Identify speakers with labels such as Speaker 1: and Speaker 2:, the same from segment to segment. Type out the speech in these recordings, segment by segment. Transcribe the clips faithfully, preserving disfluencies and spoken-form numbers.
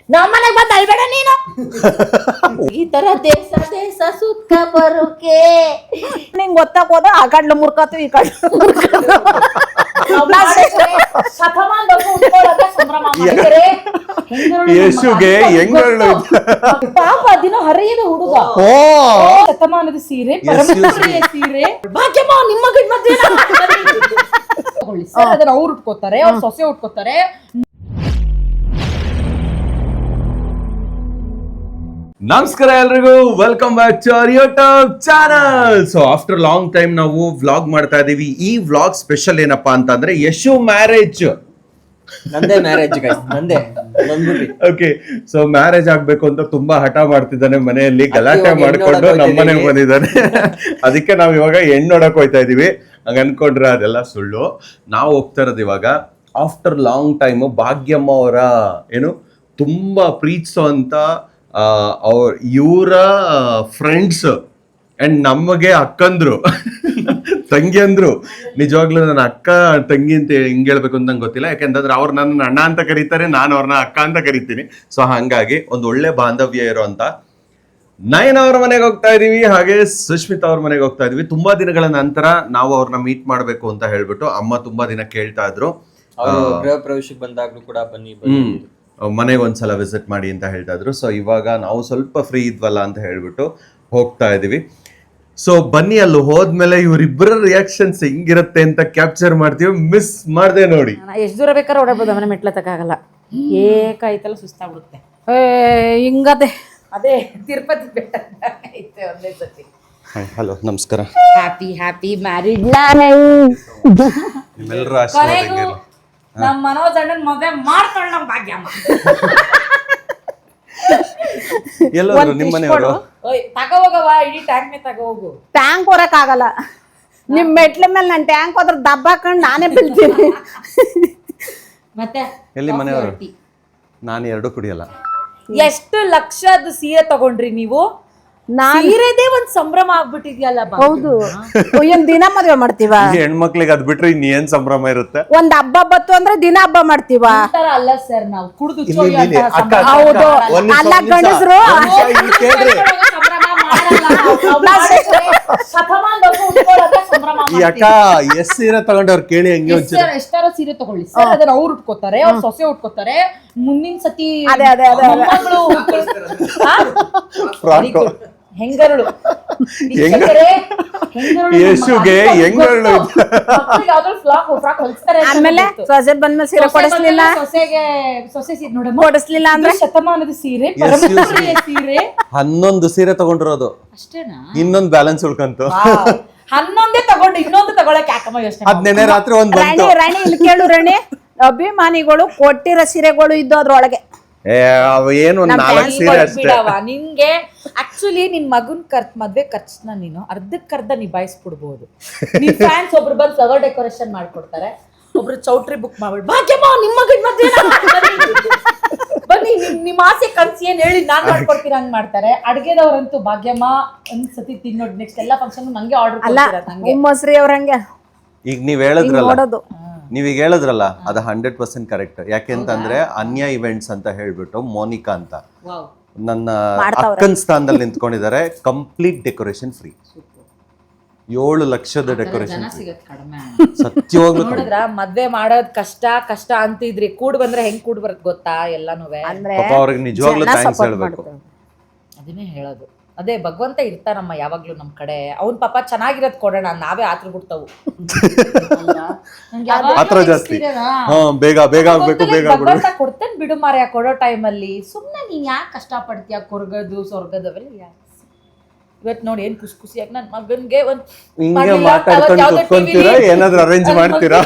Speaker 1: ನಮ್ಮನೆಗೆ ಬಂದು ಅಳ್ಬೇಡ ನೀನು. ಈ ತರ ದೇಶ ದೇಶ ಸುತ್ತ ಬರುಕೆ ನಿಂಗೆ ಗೊತ್ತಾಗ ಹೋದ ಆ ಕಡ್ಲು ಮುರ್ಕತ್ತು ಈ ಕಡ್ಲು
Speaker 2: ಯಶುಗೆ ಹೆಂಗಳು
Speaker 1: ಪಾಪ ದಿನ ಹರಿಯದ ಹುಡುಗ ಶತಮಾನದ ಸೀರೆ ಪರಮಪ್ರಿಯ ಸೀರೆ ಭಾಗ್ಯಮ್ಮ ನಿಮ್ಮ ಗಂಡ ಮಧ್ಯ ಅದನ್ನ ಅವ್ರು ಉಟ್ಕೋತಾರೆ, ಅವ್ರ ಸೊಸೆ ಉಟ್ಕೋತಾರೆ.
Speaker 2: ನಮಸ್ಕಾರ ಎಲ್ರಿಗೂ, welcome back to our YouTube channel. So after long time ನಾವು ವ್ಲಾಗ್ ಮಾಡ್ತಾ ಇದೀವಿ. ಈ ವ್ಲಾಗ್ ಸ್ಪೆಷಲ್ ಏನಪ್ಪಾ ಅಂತಂದ್ರೆ ಯಶು ಮ್ಯಾರೇಜ್.
Speaker 3: ನಂದೇ ಮ್ಯಾರೇಜ್ ಗೈಸ್, ನಂದೇ.
Speaker 2: ಓಕೆ, ಸೊ ಮ್ಯಾರೇಜ್ ಆಗ್ಬೇಕು ಅಂತ ತುಂಬಾ ಹಠ ಮಾಡ್ತಿದ್ದಾನೆ, ಮನೆಯಲ್ಲಿ ಗಲಾಟೆ ಮಾಡ್ಕೊಂಡು ನಮ್ಮನೆಗೆ ಬಂದಿದ್ದಾನೆ. ಅದಕ್ಕೆ ನಾವ್ ಇವಾಗ ಹೆಣ್ಣು ನೋಡಕ್ ಹೋಯ್ತಾ ಇದೀವಿ. ಹಂಗ ಅನ್ಕೊಂಡ್ರೆ ಅದೆಲ್ಲ ಸುಳ್ಳು. ನಾವು ಹೋಗ್ತಾ ಇರೋದು ಇವಾಗ ಆಫ್ಟರ್ ಲಾಂಗ್ ಟೈಮ್ ಭಾಗ್ಯಮ್ಮ ಅವರ ಏನು ತುಂಬಾ ಪ್ರೀತಿಸೋ ಅಂತ ಅವ್ರ ಇವರ ಫ್ರೆಂಡ್ಸ್ ಅಂಡ್ ನಮಗೆ ಅಕ್ಕಂದ್ರು ತಂಗಿಯಂದ್ರು. ನಿಜವಾಗ್ಲೂ ನನ್ನ ಅಕ್ಕ ತಂಗಿ ಅಂತ ಹಿಂಗ್ ಹೇಳ್ಬೇಕು ಅಂತ ನಂಗೆ ಗೊತ್ತಿಲ್ಲ, ಯಾಕೆಂತಂದ್ರೆ ಅವ್ರು ನನ್ನ ಅಣ್ಣ ಅಂತ ಕರೀತಾರೆ, ನಾನು ಅವ್ರನ್ನ ಅಕ್ಕ ಅಂತ ಕರಿತೀನಿ. ಸೊ ಹಂಗಾಗಿ ಒಂದು ಒಳ್ಳೆ ಬಾಂಧವ್ಯ ಇರೋ ಅಂತ ನಯನ ಅವ್ರ ಮನೆಗೆ ಹೋಗ್ತಾ ಇದೀವಿ, ಹಾಗೆ ಸುಷ್ಮಿತಾ ಅವ್ರ ಮನೆಗೆ ಹೋಗ್ತಾ ಇದೀವಿ. ತುಂಬಾ ದಿನಗಳ ನಂತರ ನಾವು ಅವ್ರನ್ನ ಮೀಟ್ ಮಾಡ್ಬೇಕು ಅಂತ ಹೇಳ್ಬಿಟ್ಟು ಅಮ್ಮ ತುಂಬಾ ದಿನ ಕೇಳ್ತಾ ಇದ್ರು.
Speaker 3: ಗೃಹ ಪ್ರವೇಶಕ್ಕೆ ಬಂದಾಗ್ಲೂ ಕೂಡ ಬನ್ನಿ
Speaker 2: ಹ್ಮ್ ಮನೆಗೆ ಒಂದ್ಸಲ ವಿಸಿಟ್ ಮಾಡಿ ಅಂತ ಹೇಳ್ತಾ ಇದ್ರು. ಸೊ ಇವಾಗ ನಾವು ಸ್ವಲ್ಪ ಫ್ರೀ ಇದ್ವಲ್ಲ ಅಂತ ಹೇಳ್ಬಿಟ್ಟು ಹೋಗ್ತಾ ಇದೀವಿ. ಸೊ ಬನ್ನಿ, ಅಲ್ಲಿ ಹೋದ್ಮೇಲೆ ಇವ್ರಿಬ್ಬರ ರಿಯಾಕ್ಷನ್ಸ್ ಹೆಂಗಿರುತ್ತೆ ಅಂತ ಕ್ಯಾಪ್ಚರ್ ಮಾಡ್ತೀವಿ. ಮಿಸ್ ಮಾಡ್ದೆ ನೋಡಿ.
Speaker 1: ಎಷ್ಟು ದೂರ ಬೇಕಾದ್ರೆ ಓಡಾಡ್ಬೋದು, ಮನೆ ಮೆಟ್ಲತ್ತಕ್ಕಾಗಲ್ಲ, ಏಕಾಯ್ತಲ್ಲ ಸುಸ್ತಾಗ್ಬಿಡುತ್ತೆ. ಹಿಂಗದೆ ಅದೇ ತಿರುಪತಿ ಬೆಟ್ಟ ಐತೆ ಒಂದೇ ಸತಿ.
Speaker 2: ಹಲೋ, ನಮಸ್ಕಾರ.
Speaker 1: ಹ್ಯಾಪಿ ಹ್ಯಾಪಿ ಮ್ಯಾರಿಡ್
Speaker 2: ನಿಮ್ಮೆಲ್ಲರ ಆಶೀರ್ವಾದ.
Speaker 1: ನಮ್ಮ ಮನೋಜ್ ಅಣ್ಣನ್ ಮದುವೆ ಮಾಡ್ಕೊಳ್ಳ ನಮ್ ಭಾಗ್ಯಮ್ಮ.
Speaker 2: ಎಲ್ಲರೂ ನಿಮ್ಮ ಮನೆಯವರು
Speaker 1: ತಗೋಗವ, ಇಡೀ ಟ್ಯಾಂಕ್ ಮೇ ತಗೋಗು.
Speaker 4: ಟ್ಯಾಂಕ್ ಹೊರಕ್ ಆಗಲ್ಲ, ನಿಮ್ ಮೆಟ್ಲ ಮೇಲೆ ನಾನು ಟ್ಯಾಂಕ್ ಹೋದ್ರ ದಬ್ಬ ಹಾಕೊಂಡು ನಾನೇ ಬೀಳ್ತೀನಿ.
Speaker 1: ಮತ್ತೆ
Speaker 2: ಎಲ್ಲಿ ಮನೆಯವರು? ನಾನು ಎರಡು ಕುಡಿಯಲ್ಲ.
Speaker 1: ಎಷ್ಟು ಲಕ್ಷದ ಸೀರೆ ತಗೊಂಡ್ರಿ ನೀವು? ಸೀರೆದೇ ಒಂದ್ ಸಂಭ್ರಮ ಆಗ್ಬಿಟ್ಟಿದ್ಯಲ್ಲ.
Speaker 4: ಹೌದು, ಏನ್ ದಿನ ಮದ್ವೆ ಮಾಡ್ತೀವ?
Speaker 2: ಹೆಣ್ಮಕ್ಳಿಗೆ ಅದ್ ಬಿಟ್ರೆ ಇನ್ ಏನ್ ಸಂಭ್ರಮ ಇರುತ್ತೆ?
Speaker 4: ಒಂದ್ ಹಬ್ಬ ಬತ್ತು ಅಂದ್ರೆ ದಿನ ಹಬ್ಬ ಮಾಡ್ತೀವ.
Speaker 1: ಅಲ್ಲ ಸರ್, ನಾವು ಕುಡಿದು
Speaker 4: ಹೌದು, ಅಲ್ಲ ಗಂಡಸ್ರು
Speaker 2: ಈ ಅಕ್ಕ ಎಷ್ಟ್ ಸೀರೆ ತಗೊಂಡವ್ರು ಕೇಳಿ ಹಂಗೆ
Speaker 1: ಎಷ್ಟಾರ ಸೀರೆ ತಗೊಳ್ಳಿ ಸರ್, ಅದನ್ನ ಅವ್ರು ಉಟ್ಕೋತಾರೆ, ಅವ್ರ ಸೊಸೆ ಉಟ್ಕೋತಾರೆ. ಮುಂದಿನ ಸತಿ ಹೆಂಗರಳು
Speaker 2: ಯಶುಗೆ ಹೆಂಗರಳು
Speaker 4: ಆಮೇಲೆ ಸೊಸೆ ಬಂದ್ಮೇಲೆ ಸೀರೆ ಕೊಡಿಸ್ಲಿಲ್ಲ,
Speaker 1: ಸೊಸೆಗೆ ಸೊಸೆ ಸೀರೆ ನೋಡ
Speaker 4: ಕೊಡಿಸ್ಲಿಲ್ಲ ಅಂದ್ರೆ
Speaker 1: ಶತಮಾನದ ಸೀರೆ ಪರಮಪ್ರಿಯ ಸೀರೆ
Speaker 2: ಹನ್ನೊಂದು ಸೀರೆ ತಗೊಂಡಿರೋದು
Speaker 1: ಅಷ್ಟೇನಾ?
Speaker 2: ಇನ್ನೊಂದು ಬ್ಯಾಲೆನ್ಸ್ ಉಳ್ಕಂತು.
Speaker 1: ಹನ್ನೊಂದೇ ತಗೊಂಡು ಇನ್ನೊಂದು ತಗೊಳಕ್ ಯಾಕಮ್ಮ ಯೋಚನೆ?
Speaker 2: ಹದಿನೆನೆ ರಾತ್ರಿ ಒಂದ್
Speaker 4: ರಾಣಿ ರಾಣಿ ಇಲ್ಲಿ ಕೇಳು ರಾಣಿ, ಅಭಿಮಾನಿಗಳು ಕೊಟ್ಟಿರೋ ಸೀರೆಗಳು ಇದ್ದು ಅದ್ರೊಳಗೆ
Speaker 2: ಏನು ನಾಲ್ಕು ಸೀರೆ ಅಷ್ಟೇ.
Speaker 1: ನಿನ್ಗೆ ಆಕ್ಚುಲಿ ನಿನ್ ಮಗನ್ ಖರ್ಚು ಮದ್ವೆ ಖರ್ಚನ್ನ ನೀನು ಅರ್ಧಕ್ಕರ್ಧ ನಿಭಾಯಿಸ್ಬಿಡ್ಬೋದು. ನಿನ್ ಫ್ಯಾನ್ಸ್ ಒಬ್ರು ಬಂದು ಫ್ಲವರ್ ಡೆಕೋರೇಷನ್ ಮಾಡ್ಕೊಡ್ತಾರೆ, ಒಬ್ರು ಚೌಟ್ರಿ ಬುಕ್ ಮಾಡ್ಬಿಟ್ಟು ಭಾಗ್ಯಮ್ಮ ನಿಮ್ಮ ಮಗನ್ ಮದ್ವೆ ಬನ್ನಿ, ನಿಮ್ ಆಸೆ ಕನ್ಸಿ ಏನ್ ಹೇಳಿ ನಾನ್ ಮಾಡ್ಕೊಡ್ತೀರ ಹಂಗ್ ಮಾಡ್ತಾರೆ. ಅಡ್ಗೆದವ್ರಂತೂ ಭಾಗ್ಯಮ್ಮ ಒಂದ್ ಸತಿ ತಿನ್ನೋದು, ನೆಕ್ಸ್ಟ್ ಎಲ್ಲಾ ಫಂಕ್ಷನ್ ನಂಗೆ ಆರ್ಡರ್ ಕೊಡ್ತೀರ.
Speaker 4: ಮೊಸರಿ ಅವ್ರಂಗೆ
Speaker 2: ಈಗ ನೀವ್ ಹೇಳಿದ್ರಲ್ಲ ನೀವೀಗ ಹೇಳಿದ್ರಲ್ಲ ಅದು ಹಂಡ್ರೆಡ್ ಪರ್ಸೆಂಟ್ ಕರೆಕ್ಟ್. ಯಾಕೆಂತಂದ್ರೆ ಅನ್ಯ ಇವೆಂಟ್ಸ್ ಅಂತ ಹೇಳ್ಬಿಟ್ಟು ಮೋನಿಕಾ ಅಂತ ನನ್ನ ಅಕ್ಕನ್ ಸ್ಥಾನದಲ್ಲಿ ನಿಂತ್ಕೊಂಡಿದ್ದಾರೆ. ಕಂಪ್ಲೀಟ್ ಡೆಕೋರೇಷನ್ ಫ್ರೀ, ಏಳು ಲಕ್ಷದ ಡೆಕೋರೇಷನ್ ಸತ್ಯವಾಗ್ಲೂ.
Speaker 1: ನೋಡಿದ್ರ ಮದ್ವೆ ಮಾಡೋದ್ ಕಷ್ಟ ಕಷ್ಟ ಅಂತಿದ್ರಿ, ಕೂಡ್ ಬಂದ್ರೆ ಹೆಂಗ್ ಕೂಡ್ ಬರತ್ ಗೊತ್ತಾ ಎಲ್ಲಾನು.
Speaker 2: ಪಾಪ ಅವ್ರಿಗೆ ನಿಜವಾಗ್ಲೂ ಥ್ಯಾಂಕ್ಸ್ ಹೇಳ್ಬೇಕು.
Speaker 1: ಅದನ್ನೇ ಹೇಳೋದು, ಅದೇ ಭಗವಂತ ಇರ್ತಾನಮ್ಮ ಯಾವಾಗ್ಲೂ ನಮ್ ಕಡೆ. ಅವ್ನ್ ಪಾಪ ಚೆನ್ನಾಗಿರೋದ್ ಕೊಡೋಣ, ನಾವೇ ಆತ್ರ ಬಿಡ್ತಾವು.
Speaker 2: ಆತರ ಜಾಸ್ತಿ ಬೇಗ ಬೇಗ ಆಗ್ಬೇಕು, ಬೇಗ
Speaker 1: ಭಗವಂತ ಕೊಡ್ತೇನೆ ಬಿಡು ಮಾರ್ಯ ಕೊಡೋ ಟೈಮಲ್ಲಿ. ಸುಮ್ನೆ ನೀನ್ ಯಾಕೆ ಕಷ್ಟ ಪಡ್ತೀಯ? ಕೊರ್ಗದು ಸ್ವರ್ಗದವೆಲ್ಲ ಯಾಕೆ? ಇವತ್ ನೋಡಿ ಏನ್ ಖುಷಿ ಖುಷಿಯಾಗಿ ನನ್ ಮಗನ್ಗೆ ಒಂದ್
Speaker 2: ಏನಾದ್ರು ಅರೇಂಜ್ ಮಾಡ್ತೀರಾ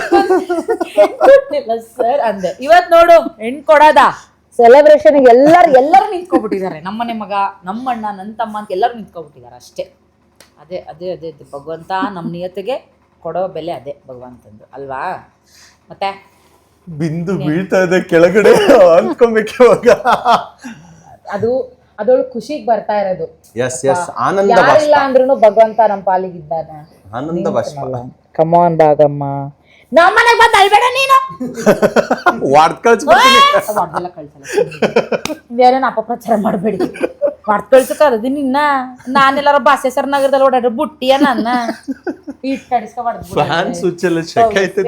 Speaker 1: ಸರ್ ಅಂದೆ. ಇವತ್ ನೋಡು ಹೆಣ್ ಕೊಡೋದ ಸೆಲೆಬ್ರೇಷನ್ ಎಲ್ಲರೂ ಎಲ್ಲರೂ ನಿಂತ್ಕೊಬಿಟ್ಟಿದ್ದಾರೆ. ನಮ್ಮನೆ ಮಗ, ನಮ್ಮಣ್ಣ, ನನ್ನ ತಮ್ಮ ಅಂತ ಎಲ್ಲರೂ ನಿಂತ್ಕೊಬಿಟ್ಟಿದ್ದಾರೆ ಅಷ್ಟೇ. ಅದೇ ಅದೇ ಅದೇ ಭಗವಂತ ನಮ್ಮ ನಿಯತಿಗೆ ಕೊಡೋ ಬೆಲೆ ಅದೇ ಭಗವಂತಂದು ಅಲ್ವಾ? ಮತ್ತೆ
Speaker 2: ಬಿಂದು ಬೀಳ್ತಾ ಇದೆ ಕೆಳಗಡೆ ಅನ್ಕೊಬೇಕು ಇವಾಗ.
Speaker 1: ಅದು ಅದೊಳು ಖುಷಿಗೆ ಬರ್ತಾ ಇರೋದು.
Speaker 2: ಎಸ್ ಎಸ್ ಆನಂದ
Speaker 1: ಯಾರಿಲ್ಲ ಅಂದ್ರೂ ಭಗವಂತ ನಮ್ಮ ಪಾಲಿಗಿದ್ದಾನೆ.
Speaker 2: ಆನಂದ ಬಾಷ್ಪ.
Speaker 1: ಕಮಾನ್ ಭಾಗಮ್ಮ, ನಮ್ಮನೆಗೆ ಬಂದು ಅಳ್ಬೇಡ ನೀನು.
Speaker 2: ವಾರ್ಡ್ ಕಳ್ಸ್ಬಿಡ್ತೀನಿ.
Speaker 1: ಬೇರೆನ ಅಪಪ್ರಚಾರ ಮಾಡಬೇಡಿ ಮಾಡ್ತ ಕಳ್ಸಕ್ಕಾಗದು ನಿನ್ನ ನಾನೆಲ್ಲಾರ ಬಾಸೇಸರ್ ನಗರದಲ್ಲಿ ಓಡಾಡ್ರೆ ಬುಟ್ಟಿಯ ನನ್ನ ಇಟ್ಟು ಕಡಿಸ್ಕೊ
Speaker 2: ಫ್ಯಾನ್ ಸ್ವಿಚ್ ಎಲ್ಲ ಚೆಕ್ ಆಯ್ತದೆ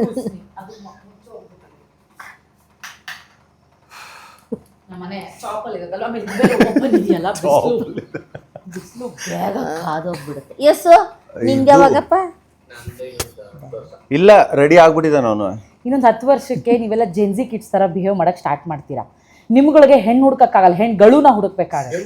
Speaker 1: ನಮ್ಮನೆ ಚಾಪಲ್ ಇರೋದಲ್ಲ ಆಮೇಲೆ ಓಪನ್ ಇದೆಯಲ್ಲ ಬಿಸಿಲು ಬೇಗ ಕಾದೋಗ್ಬಿಡುತ್ತೆ ಎಸ್ ನಿಂಗೆ ಯಾವಾಗಪ್ಪ
Speaker 2: ಇಲ್ಲ ರೆಡಿ ಆಗ್ಬಿಟ್ಟಿದ್ದಾನ ಅವನು
Speaker 1: ಇನ್ನೊಂದು ಹತ್ತು ವರ್ಷಕ್ಕೆ ನೀವೆಲ್ಲ ಜೆನ್ಸಿ ಕಿಡ್ಸ್ ತರ ಬಿಹೇವ್ ಮಾಡಕ್ ಸ್ಟಾರ್ಟ್ ಮಾಡ್ತೀರಾ ನಿಮ್ಗಳಿಗೆ ಹೆಣ್ಣು ಹುಡ್ಕಕ್ಕಾಗಲ್ಲ ಹೆಣ್ಗಳುನ ಹುಡುಕ್ಬೇಕಾಗಲ್ಲ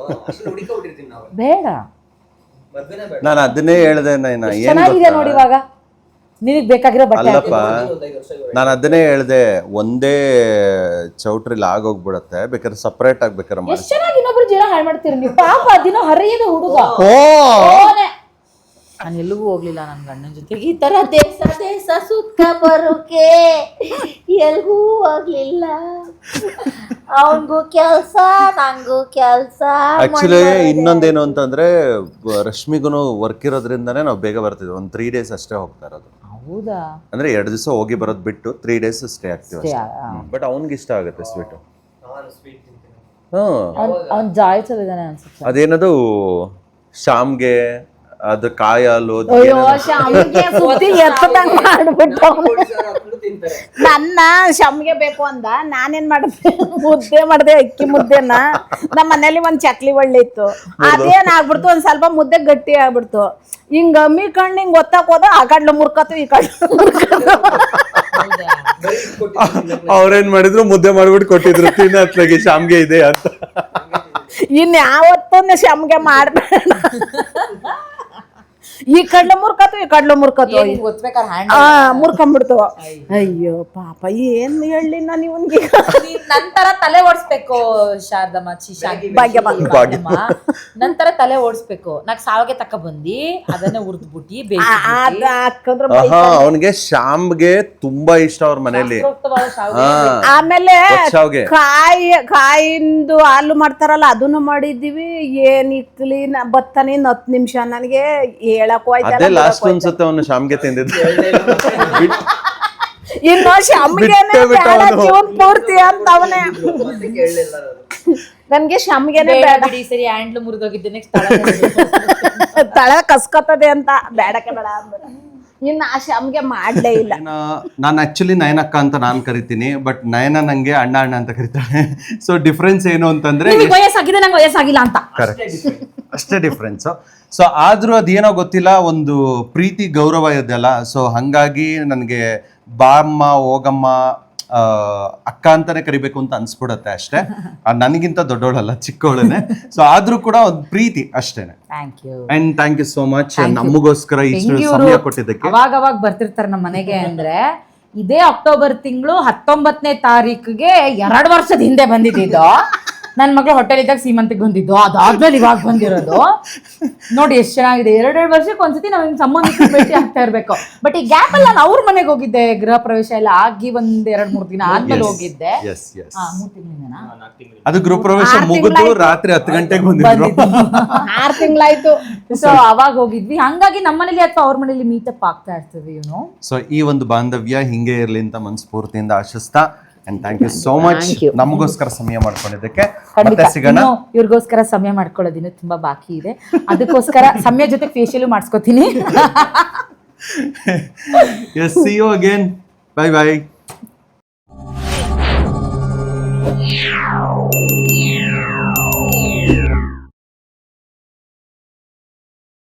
Speaker 1: ಬೇಡ
Speaker 2: ನಾನು ಅದನ್ನೇ ಹೇಳ್ದೆ ನೈನಾ ಏನ್
Speaker 1: ಚೆನ್ನಾಗಿದೆ ನೋಡಿ ಇವಾಗ ನಿನಗ್ ಬೇಕಾಗಿರೋ ಬಟ್ಟೆ
Speaker 2: ಅಲ್ಲಪ್ಪ ನಾನು ಅದನ್ನೇ ಹೇಳ್ದೆ ಒಂದೇ ಚೌಟ್ರಿಲಿ ಆಗೋಗ್ಬಿಡತ್ತೆ ಬೇಕಾದ್ರೆ ಸಪ್ರೇಟ್ ಆಗ್ಬೇಕಾರೆ ಮಾಡಿ
Speaker 1: ಎಷ್ಟ್ ಚೆನ್ನಾಗಿ ಇನ್ನೊಬ್ರು ಜೀವನ ಹಾಳು ಮಾಡ್ತೀರಿ ನೀವು ಪಾಪ ದಿನ ಹರಿಯದ ಹುಡುಗ ನಾನು ಎಲ್ಲಿಗೂ ಹೋಗ್ಲಿಲ್ಲ ನನ್ನ ಗಂಡನ ಜೊತೆಗೆ ಈ ತರ ದೇಶ ದೇಶ ಸುತ್ತ ಬರೋಕೆ ಎಲ್ಗೂ ಹೋಗ್ಲಿಲ್ಲ ಅವನ್ಗೂ ಕೆಲ್ಸ ನಂಗೂ ಕೆಲ್ಸ
Speaker 2: ಆಕ್ಚುಲಿ ಇನ್ನೊಂದೇನು ಅಂತಂದ್ರೆ ರಶ್ಮಿಗೂ ವರ್ಕ್ ಇರೋದ್ರಿಂದಾನೇ ನಾವು ಬೇಗ ಬರ್ತಿದ್ವಿ ಒಂದ್ ತ್ರೀ ಡೇಸ್ ಅಷ್ಟೇ ಹೋಗ್ತಾ ಇರೋದು
Speaker 1: ಹೌದಾ
Speaker 2: ಅಂದ್ರೆ ಎರಡು ದಿವಸ ಹೋಗಿ ಬರೋದ್ ಬಿಟ್ಟು ತ್ರೀ ಡೇಸ್ ಸ್ಟೇ ಆಗ್ತೀವಿ ಬಟ್ ಅವ್ನಿಗೆ ಇಷ್ಟ ಆಗುತ್ತೆ ಸ್ವೀಟು ಹ್ಮ್
Speaker 1: ಅವ್ನ್ ಜಾಯ್ಸಲ್ಲಿದ್ದಾನೆ ಅನ್ಸುತ್ತೆ
Speaker 2: ಅದೇನದು ಶಾಮ್ಗೆ ಅದು ಕಾಯಿ ಹಾಲು
Speaker 4: ಅಯ್ಯೋ ಶಾಮಿಗೆ ಸುದ್ದಿ ಎತ್ತದಂಗ್ ಮಾಡ್ಬಿಟ್ಟು ನನ್ನ ಶಾಮಿಗೆ ಬೇಕು ಅಂದ ನಾನೇನ್ ಮಾಡಿದೆ ಮುದ್ದೆ ಮಾಡಿದೆ ಅಕ್ಕಿ ಮುದ್ದೆನ ನಮ್ಮ ಮನೇಲಿ ಒಂದ್ ಚಕ್ಲಿ ಒಳ್ಳೆ ಇತ್ತು ಅದೇನ್ ಆಗ್ಬಿಡ್ತು ಒಂದ್ ಸ್ವಲ್ಪ ಮುದ್ದೆ ಗಟ್ಟಿ ಆಗ್ಬಿಡ್ತು ಹಿಂಗ ಅಮ್ಮಿ ಕಣ್ಣು ಹಿಂಗ್ ಒತ್ತಾಕ್ ಹೋದ ಆ ಕಡ್ಲು ಮುರ್ಕತ್ತು ಈ ಕಡ್ಲು
Speaker 2: ಅವ್ರೇನ್ ಮಾಡಿದ್ರು ಮುದ್ದೆ ಮಾಡ್ಬಿಟ್ಟು ಕೊಟ್ಟಿದ್ರು ತಿನ್ನತ್ಲಾಗಿ ಶಾಮ್ಗೆ ಇದೆ ಅಂತ
Speaker 4: ಇನ್ ಯಾವತ್ತೂ ಶಾಮಿಗೆ ಮಾಡ್ಬೇಡ ಈ ಕಡ್ಲು ಮುರ್ಕತ್ತು ಈ ಕಡ್ಲು ಮುರ್ಕತ್ತು ಆ ಮುರ್ಕೊಂಡ್ಬಿಡ್ತು ಅಯ್ಯೋ ಪಾಪ ಏನ್ ಹೇಳಿ ನಾನು ಇವನ್ಗೆ
Speaker 1: ನಂತರ ತಲೆ ಓಡಿಸ್ಬೇಕು ಶಾರದಮ್ಮ ಚಿ ಭಾಗ್ಯಮ್ಮ ನಂತರ ತಲೆ ಓಡಿಸ್ಬೇಕು ನಾಕ್ ಸಾವಿಗೆ ತಕ್ಕ ಬಂದಿ ಅದನ್ನೇ ಉರ್ದ್ಬಿಟ್ಟಿ
Speaker 4: ಅದ ಹಾಕಂದ್ರ
Speaker 2: ಅವನಿಗೆ ಶಾಮ್ಗೆ ತುಂಬಾ ಇಷ್ಟ ಅವ್ರ ಮನೇಲಿ
Speaker 4: ಆಮೇಲೆ
Speaker 2: ಶಾವ್ಗೆ
Speaker 4: ಕಾಯಿ ಕಾಯಿಂದು ಹಾಲು ಮಾಡ್ತಾರಲ್ಲ ಅದನ್ನು ಮಾಡಿದ್ದೀವಿ ಏನ್ ಇಕ್ಲಿ ಬತ್ತಾನೆ ಇನ್ ಹತ್ತು ನಿಮಿಷ ನನಗೆ ಹೇಳಕ್
Speaker 2: ಅದೇ ಲಾಸ್ಟ್ ಅನ್ಸುತ್ತೆ ಅವನು ಶಾಮ್ಗೆ ತಿಂದಿದ್ದು
Speaker 4: ಇನ್ನು ಶಾಮಿಗೆನೆ ಬೇಡ ಜೀವನ್ ಪೂರ್ತಿ ಅಂತ ಅವನೇ ನನ್ಗೆ ಶಾಮಿಗೆನೆ ಬೇಡ
Speaker 1: ಸರಿ ಹ್ಯಾಂಡ್ಲು ಮುರಿದೋಗಿದ್ದೆ ನೆಕ್ಸ್ಟ್
Speaker 4: ತಳ ಕಸ್ಕೊತದೆ ಅಂತ ಬೇಡಕ್ಕೆ ಬೇಡ ಅಂದ್ಬಿಡ ಇನ್ನು ಆ ಶಾಮಿಗೆ ಮಾಡ್ಲೇ ಇಲ್ಲ
Speaker 2: ನಾನು ಆಕ್ಚುಲಿ ನಯನಕ್ಕ ಅಂತ ನಾನು ಕರಿತೀನಿ ಬಟ್ ನಯನ ನಂಗೆ ಅಣ್ಣ ಅಣ್ಣ ಅಂತ ಕರಿತಾಳೆ ಸೊ ಡಿಫ್ರೆನ್ಸ್ ಏನು ಅಂತಂದ್ರೆ
Speaker 1: ವಯಸ್ಸಾಗಿದೆ ನಂಗೆ ವಯಸ್ಸಾಗಿಲ್ಲ ಅಂತ
Speaker 2: ಕರೆಕ್ಟ್ ಅಷ್ಟೇ ಡಿಫ್ರೆನ್ಸ್ ಸೊ ಆದ್ರೂ ಅದೇನೋ ಗೊತ್ತಿಲ್ಲ ಒಂದು ಪ್ರೀತಿ ಗೌರವ ಇದೆಯಲ್ಲ ಸೊ ಹಂಗಾಗಿ ನನಗೆ ಬಾಮ್ಮ ಹೋಗಮ್ಮ ಅಕ್ಕ ಅಂತಾನೆ ಕರಿಬೇಕು ಅಂತ ಅನ್ಸ್ಬಿಡತ್ತೆ ಅಷ್ಟೇ ನನಗಿಂತ ದೊಡ್ಡವಳಲ್ಲ ಚಿಕ್ಕವಳನೆ ಸೊ ಆದ್ರೂ ಕೂಡ ಒಂದು ಪ್ರೀತಿ ಅಷ್ಟೇನೆ and thank you so much ನಮಗೋಸ್ಕರ ಇಷ್ಟು ಸಮಯ ಕೊಟ್ಟಿದ್ದಕ್ಕೆ
Speaker 1: ಅವಾಗ ಅವಾಗ ಬರ್ತಿರ್ತಾರೆ ನಮ್ಮ ಮನೆಗೆ ಅಂದ್ರೆ ಇದೇ ಅಕ್ಟೋಬರ್ ತಿಂಗಳು ಹತ್ತೊಂಬತ್ತನೇ ತಾರೀಕಿಗೆ ಎರಡು ವರ್ಷದ ಹಿಂದೆ ಬಂದಿದ್ದು ನನ್ನ ಮಗಳು ಹೋಟೆಲ್ ಇದ್ದಾಗ ಸೀಮಂತಿಗೆ ಬಂದಿದ್ದು ಅದಾದ್ಮೇಲೆ ಇವಾಗ ಬಂದಿರೋದು ನೋಡಿ ಎಷ್ಟು ಚೆನ್ನಾಗಿದೆ ಎರಡೆರಡು ವರ್ಷಕ್ಕೆ ಒಂದ್ಸತಿ ನಾವು ಹಿಂಗೆ ಸಂಬಂಧಿಕರು ಭೇಟಿ ಆಗ್ತಾ ಇರ್ಬೇಕು ಬಟ್ ಈ ಗ್ಯಾಪ್ ಅಲ್ಲಿ ನಾನು ಅವ್ರ ಮನೆಗೆ ಹೋಗಿದ್ದೆ ಗೃಹ ಪ್ರವೇಶ ಎಲ್ಲ ಆಗಿ ಒಂದ್ ಎರಡ್ ಮೂರ್ ದಿನ ಆದ್ಮೇಲೆ ಹೋಗಿದ್ದೆ ಮೂರ್ ತಿಂಗಳಿಂದನಾ
Speaker 2: ಅದು ಗೃಹ ಪ್ರವೇಶ ಮುಗಿದು ರಾತ್ರಿ ಹತ್ತು ಗಂಟೆಗೆ ಬಂದಿದ್ರು
Speaker 4: ಆರ್ ತಿಂಗಳಾಯ್ತು
Speaker 1: ಸೊ ಅವಾಗ ಹೋಗಿದ್ವಿ ಹಂಗಾಗಿ ನಮ್ಮ ಮನೇಲಿ ಅಥವಾ ಅವ್ರ ಮನೇಲಿ ಮೀಟಪ್ ಆಗ್ತಾ ಇರ್ತೀವಿ ಯುನೋ
Speaker 2: ಸೊ ಈ ಒಂದು ಬಾಂಧವ್ಯ ಹಿಂಗೆ ಇರ್ಲಿ ಅಂತ ಮನಸ್ಫೂರ್ತಿಯಿಂದ ಆಶಿಸ್ತಾ and thank you so much ನಮಗೋಸ್ಕರ ಸಮಯ ಮಾಡ್ಕೊಂಡಿದ್ದಕ್ಕೆ ಮತ್ತೆ ಸಿಗೋಣ
Speaker 1: ಇವ್ರಿಗೋಸ್ಕರ ಸಮಯ ಮಾಡ್ಕೊಳ್ಳೋದಿನ ತುಂಬಾ ಬಾಕಿ ಇದೆ ಅದಕ್ಕೋಸ್ಕರ ಸಮಯ ಜೊತೆ ಫೇಶಿಯಲ್ ಮಾಡಿಸ್ಕೊತೀನಿ
Speaker 2: yes see you again bye by